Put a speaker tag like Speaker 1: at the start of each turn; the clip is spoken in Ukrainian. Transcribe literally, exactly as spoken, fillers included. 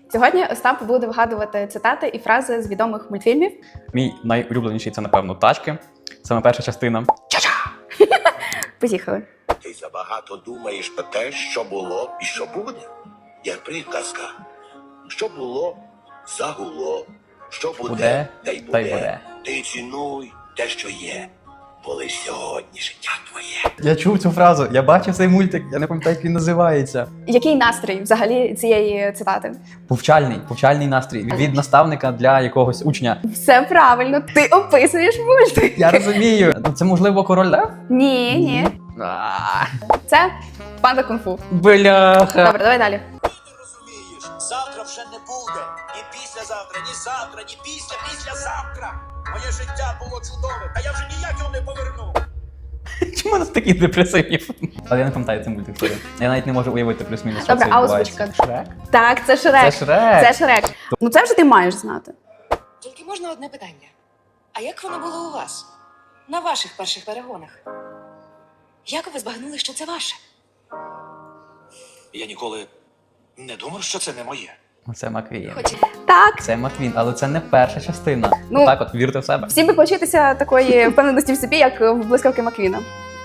Speaker 1: Сьогодні Остап буде вигадувати цитати і фрази з відомих мультфільмів.
Speaker 2: Мій найулюбленіший це, напевно, тачки. Саме перша частина. Ча-ча!
Speaker 1: Поїхали.
Speaker 3: Ти забагато думаєш про те, що було і що буде. Як приказка. Що було, загуло. Що буде,
Speaker 2: Буде,
Speaker 3: та й буде.
Speaker 2: та й буде.
Speaker 3: Ти цінуй те, що є. Бо лиш сьогодні життя твоє.
Speaker 2: Я чув цю фразу, я бачив цей мультик, я не пам'ятаю, як він називається.
Speaker 1: Який настрій взагалі цієї цитати?
Speaker 2: Повчальний, повчальний настрій. Від наставника для якогось учня.
Speaker 1: Все правильно, ти описуєш мультик.
Speaker 2: Я розумію. Ну, це, можливо, король Лев?
Speaker 1: Ні, ні.
Speaker 2: А,
Speaker 1: Це панда кунг-фу.
Speaker 2: Бляха.
Speaker 1: Добре, давай далі.
Speaker 4: Ти не розумієш, завтра вже не буде. Ні післязавтра, ні завтра, ні після, післязавтра. Моє життя було чудове, а я вже ніяк його не поверну.
Speaker 2: Чому у нас такі депресивні? Але я не пам'ятаю цей мультик. sorry. Я навіть не можу уявити плюс-мінус, що
Speaker 1: Добре,
Speaker 2: це
Speaker 1: а
Speaker 2: відбувається.
Speaker 1: озвучка?
Speaker 2: Шрек?
Speaker 1: Так, це Шрек.
Speaker 2: Це Шрек.
Speaker 1: Це Шрек. Ну це вже ти маєш знати.
Speaker 5: Тільки можна одне питання. А як воно було у вас? На ваших перших перегонах? Як ви збагнули, що це ваше?
Speaker 4: Я ніколи не думав, що це не моє.
Speaker 2: Це Маквін.
Speaker 5: Хоч
Speaker 1: Так.
Speaker 2: Це Маквін, але це не перша частина.
Speaker 1: Ну,
Speaker 2: так от, вірте в себе.
Speaker 1: Всім би повчитися такої впевненості в собі, як в блискавки Маквіна.